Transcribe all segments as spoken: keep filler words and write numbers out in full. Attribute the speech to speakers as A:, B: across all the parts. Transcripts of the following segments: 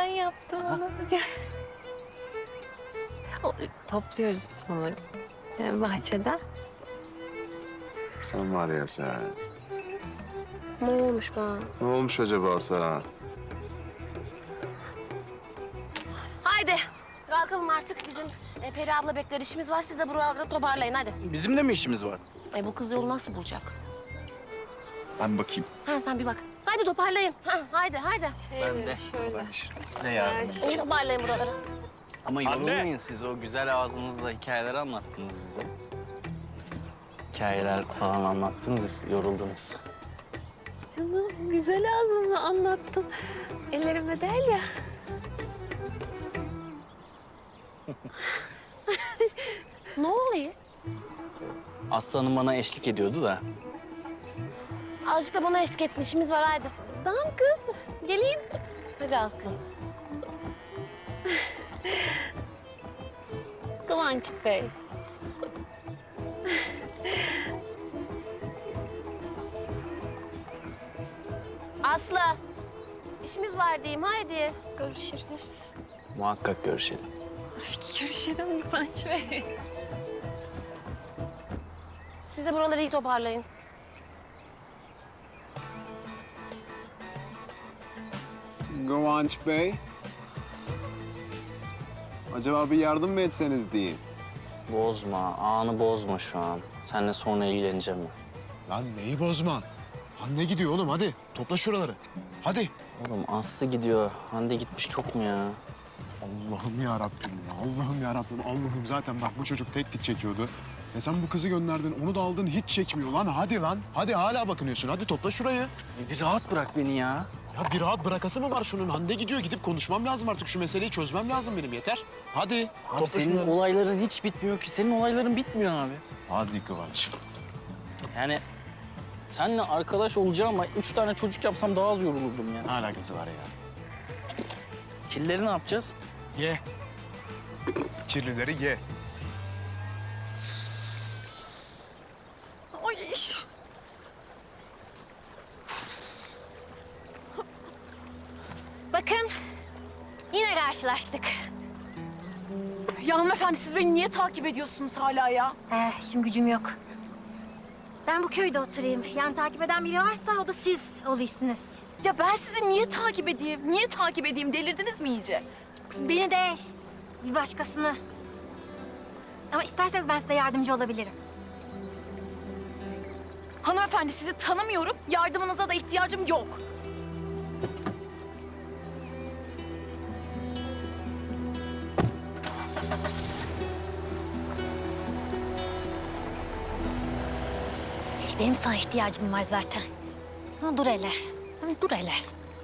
A: ben yaptım onu. O, topluyoruz biz onları yani bahçeden.
B: Sen var ya sen.
C: Ne olmuş bana?
B: Ne olmuş acaba sana?
C: Haydi kalkalım artık. Bizim e, Peri abla bekler, işimiz var. Siz de buralarda toparlayın hadi.
D: Bizim de mi işimiz var?
C: E, bu kız yolu nasıl bulacak?
D: Ben bakayım.
C: Ha sen bir bak. Haydi toparlayın. Ha, haydi haydi.
D: Ben de.
A: Şöyle.
D: Size yardım.
C: İyi toparlayın buraları.
D: Ama yorulmayın siz. O güzel ağzınızla hikayeler anlattınız bize. Hikayeler falan anlattınız, yoruldunuz.
A: Canım güzel ağzımla anlattım. Ellerime değil ya.
C: Ne oluyor?
D: Aslanım bana eşlik ediyordu da.
C: Azıcık da bana eşlik etsin. İşimiz var haydi.
A: Tamam kız. Geleyim.
C: Hadi Aslı.
A: Kıvanç Bey.
C: Aslı. İşimiz var diyeyim haydi.
A: Görüşürüz.
D: Muhakkak görüşelim.
A: Görüşelim Kıvanç Bey.
C: Siz de buraları iyi toparlayın.
B: Kıvanç Bey. Acaba bir yardım mı etseniz diyeyim.
D: Bozma, anı bozma şu an. Seninle sonra ilgileneceğim ben.
E: Lan neyi bozma? Hande gidiyor oğlum hadi. Topla şuraları. Hadi.
D: Oğlum Aslı gidiyor. Hande gitmiş çok mu ya?
E: Allah'ım ya Rabbim ya. Allah'ım ya Rabbim. Allah'ım zaten bak bu çocuk tek tek çekiyordu. E sen bu kızı gönderdin, onu da aldın hiç çekmiyor lan. Hadi lan. Hadi hala bakınıyorsun. Hadi topla şurayı.
D: Bir rahat bırak beni ya.
E: Ya bir rahat bırakası mı var şunun? Hande gidiyor. Gidip konuşmam lazım artık. Şu meseleyi çözmem lazım benim. Yeter. Hadi.
D: Abi
E: topla
D: senin
E: şunları.
D: olayların hiç bitmiyor ki. Senin olayların bitmiyor abi.
E: Hadi Kıvanç.
D: Yani seninle arkadaş olacağım ama üç tane çocuk yapsam daha az yorulurdum ya.
E: Ne alakası var ya?
D: Killeri ne yapacağız?
E: Ye. Kirlileri ye.
A: Ay.
C: Bakın yine karşılaştık.
F: Ya hanımefendi siz beni niye takip ediyorsunuz hala ya?
G: Eh, işim gücüm yok. Ben bu köyde oturayım. Yani takip eden biri varsa o da siz oluyorsunuz.
F: Ya ben sizi niye takip edeyim? Niye takip edeyim? Delirdiniz mi iyice?
G: Beni değil, bir başkasını. Ama isterseniz ben size yardımcı olabilirim.
F: Hanımefendi sizi tanımıyorum. Yardımınıza da ihtiyacım yok.
G: Benim sana ihtiyacım var zaten. Ha, dur hele. Ha, dur hele.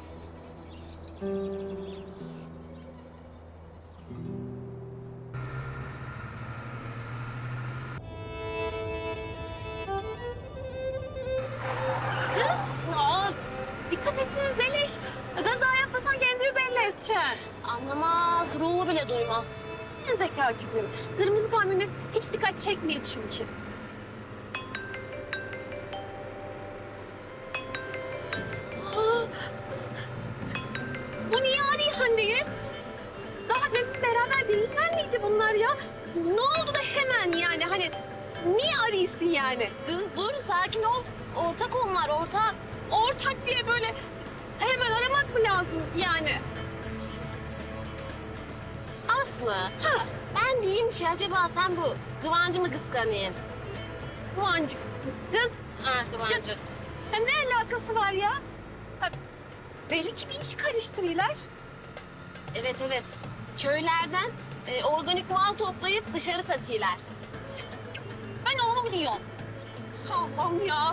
A: Aa, dikkat etsene Zeliş. Gaza yapmasan kendini belli edeceksin.
C: Anlamaz, ruhu bile duymaz.
A: Ne zeka gibi. Kırmızı kamyonet hiç dikkat çekmiyor çünkü. Aa, s- bu niye arıyor Hande'yi? Daha demin beraber değiller miydi bunlar ya? Ne oldu da hemen yani hani niye arıyorsun yani?
C: Kız dur, sakin ol. Ortak onlar, ortak.
A: Ortak diye böyle hemen aramak mı lazım yani?
C: Aslı, ha. Ben diyeyim ki acaba sen bu Kıvancı mı kıskanıyorsun?
A: Kıvancık. Kız
C: Ha, Kıvancı.
A: ya ne alakası var ya? Ha, belli ki bir işi karıştırıyorlar.
C: Evet, evet. Köylerden e, organik mal toplayıp dışarı satıyorlar.
A: Ben onu biliyorum. Allah'ım ya.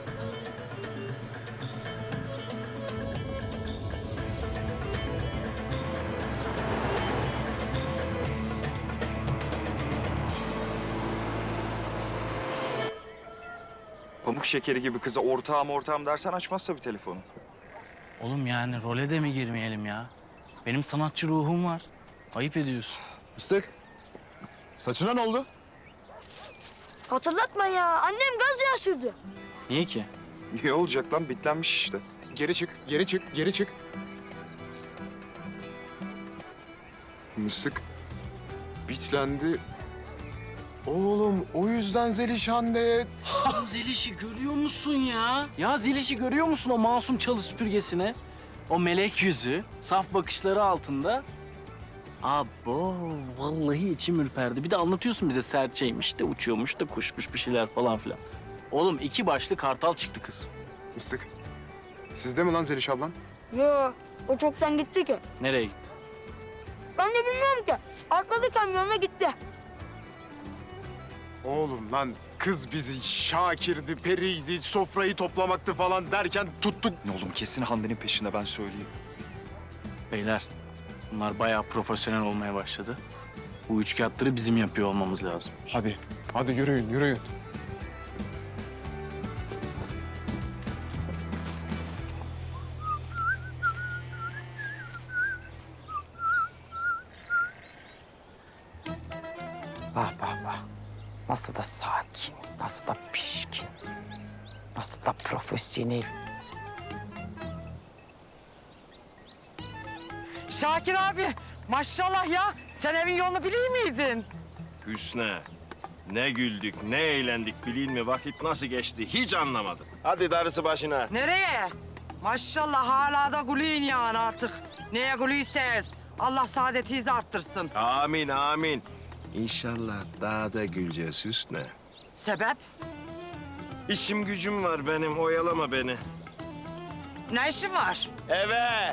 H: Pamuk şekeri gibi kıza ortağım ortağım dersen açmazsa bir telefonu.
D: Oğlum yani role de mi girmeyelim ya? Benim sanatçı ruhum var. Ayıp ediyorsun.
E: Fıstık. Saçına ne oldu?
I: Hatırlatma ya. Annem gaz yağı sürdü.
D: Niye ki?
H: Niye olacak lan? Bitlenmiş işte.
E: Geri çık, geri çık, geri çık. Mısık bitlendi. Oğlum o yüzden Zelişan de
D: Oğlum Zeliş'i görüyor musun ya? Ya Zeliş'i görüyor musun o masum çalı süpürgesine? O melek yüzü, saf bakışları altında. Abo, vallahi içim ürperdi. Bir de anlatıyorsun bize serçeymiş de uçuyormuş da kuşmuş bir şeyler falan filan. Oğlum iki başlı kartal çıktı kız.
E: Mıstık. Sizde mi lan Zeliş ablan?
I: Yo, o çoktan gitti ki.
D: Nereye gitti?
I: Ben de bilmiyorum ki. Atladı kamyonla gitti.
E: Oğlum lan kız bizi Şakir'di, Peri'ydi, sofrayı toplamaktı falan derken tuttuk.
H: Oğlum kesin Hande'nin peşinde ben söyleyeyim.
D: Beyler, bunlar bayağı profesyonel olmaya başladı. Bu üçkağıtları bizim yapıyor olmamız lazım.
E: Hadi, hadi yürüyün, yürüyün.
J: Bak bak bak. Nasıl da sakin, nasıl da pişkin, nasıl da profesyonel. Şakir abi, maşallah ya. Sen evin yolunu biliyor muydun?
K: Hüsnü, ne güldük, ne eğlendik bileyim mi? Vakit nasıl geçti hiç anlamadım. Hadi darısı başına.
J: Nereye? Maşallah hala da gülüyün yani artık. Neye gülüyseniz. Allah saadetinizi arttırsın.
K: Amin, amin. İnşallah daha da güleceğiz Hüsnü.
J: Sebep?
K: İşim gücüm var benim, oyalama beni.
J: Ne işin var?
K: Eve!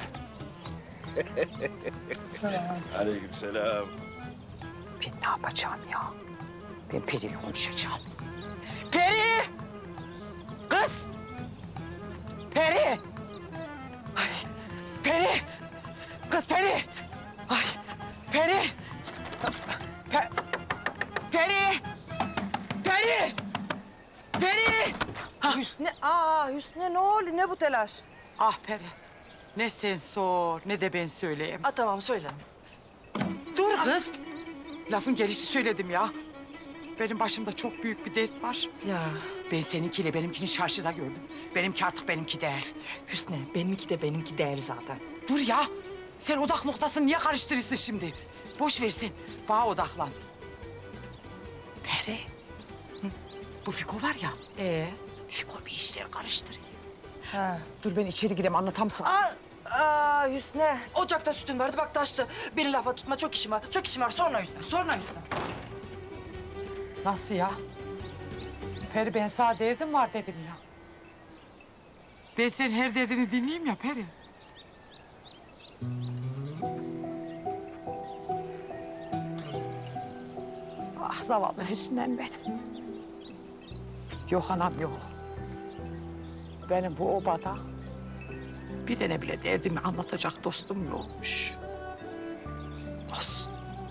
K: Aleykümselam.
J: Ben ne yapacağım ya? Ben Peri'yle konuşacağım. Peri! Kız! Peri! Ay, Peri! Kız Peri! Ay, Peri! Pe Peri! Peri! Peri!
I: Hüsnü, aa Hüsnü ne oldu? Ne bu telaş?
J: Ah Peri, ne sen sor ne de ben söyleyeyim.
I: Aa tamam söyle.
J: Dur kız. Lafın gelişi söyledim ya. Benim başımda çok büyük bir dert var.
I: Ya
J: Ben seninkiyle benimkini çarşıda gördüm. Benimki artık benimki değil.
I: Hüsnü benimki de benimki değil zaten.
J: Dur ya. Sen odak noktasını niye karıştırırsın şimdi? Boş ver sen. Bana odaklan. Peri. Hı, bu Fiko var ya.
I: Ee?
J: Fiko bir işler karıştırıyor.
I: Ha.
J: Dur ben içeri gireyim anlatam sana.
I: Aa, aa Hüsnü. Ocakta sütün vardı bak taştı. Beni lafa tutma çok işim var. Çok işim var sonra Hüsnü. Sonra Hüsnü.
J: Nasıl ya? Peri ben sana derdim var dedim ya. Ben senin her derdini dinleyeyim ya Peri. Ah zavallı Hüsnü'm benim. Yok anam yok. Benim bu obada bir tane bile derdimi anlatacak dostum yokmuş. Olsun.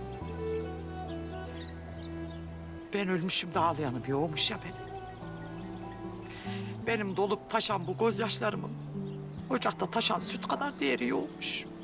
J: Ben ölmüşüm de ağlayanı bir olmuş ya benim. Benim dolup taşan bu gözyaşlarımın ocakta taşan süt kadar değeri olmuş.